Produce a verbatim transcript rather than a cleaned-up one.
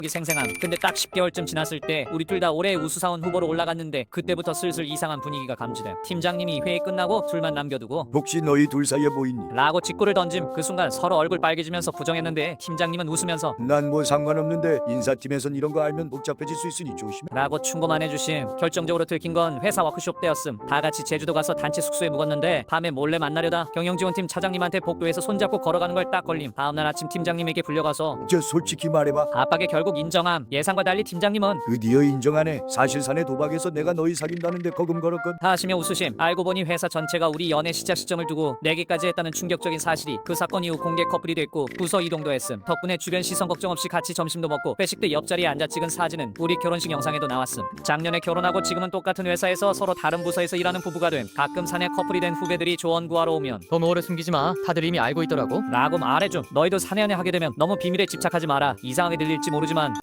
이 생생함. 근데 딱 십 개월쯤 지났을 때 우리 둘 다 올해의 우수사원 후보로 올라갔는데 그때부터 슬슬 이상한 분위기가 감지됨. 팀장님이 회의 끝나고 둘만 남겨두고 혹시 너희 둘 사이에 뭐 있니? 라고 직구를 던짐. 그 순간 서로 얼굴 빨개지면서 부정했는데 팀장님은 웃으면서 난 뭐 상관없는데 인사팀에선 이런 거 알면 복잡해질 수 있으니 조심해. 라고 충고만 해주심. 결정적으로 들킨 건 회사 워크숍 때였음. 다 같이 제주도 가서 단체 숙소에 묵었는데 밤에 몰래 만나려다 경영지원팀 차장님한테 복도에서 손잡고 걸어가는 걸 딱 걸림. 다음날 아침 팀장님에게 불려가서 저 솔직히 말해봐. 압박에 결국 인정함. 예상과 달리 팀장님은 드디어 인정하네. 사실 사내 도박에서 내가 너희 사귄다는데 거금 걸었건. 다 하시며 웃으심. 알고 보니 회사 전체가 우리 연애 시작 시점을 두고 내기까지 했다는 충격적인 사실이. 그 사건 이후 공개 커플이 됐고 부서 이동도 했음. 덕분에 주변 시선 걱정 없이 같이 점심도 먹고 회식 때 옆자리에 앉아 찍은 사진은 우리 결혼식 영상에도 나왔음. 작년에 결혼하고 지금은 똑같은 회사에서 서로 다른 부서에서 일하는 부부가 됨. 가끔 사내 커플이 된 후배들이 조언 구하러 오면 너무 오래 숨기지 마. 다들 이미 알고 있더라고. 라고 말해줌. 너희도 사내 연애 하게 되면 너무 비밀에 집착하지 마라. 이상하게 들릴지 모르지만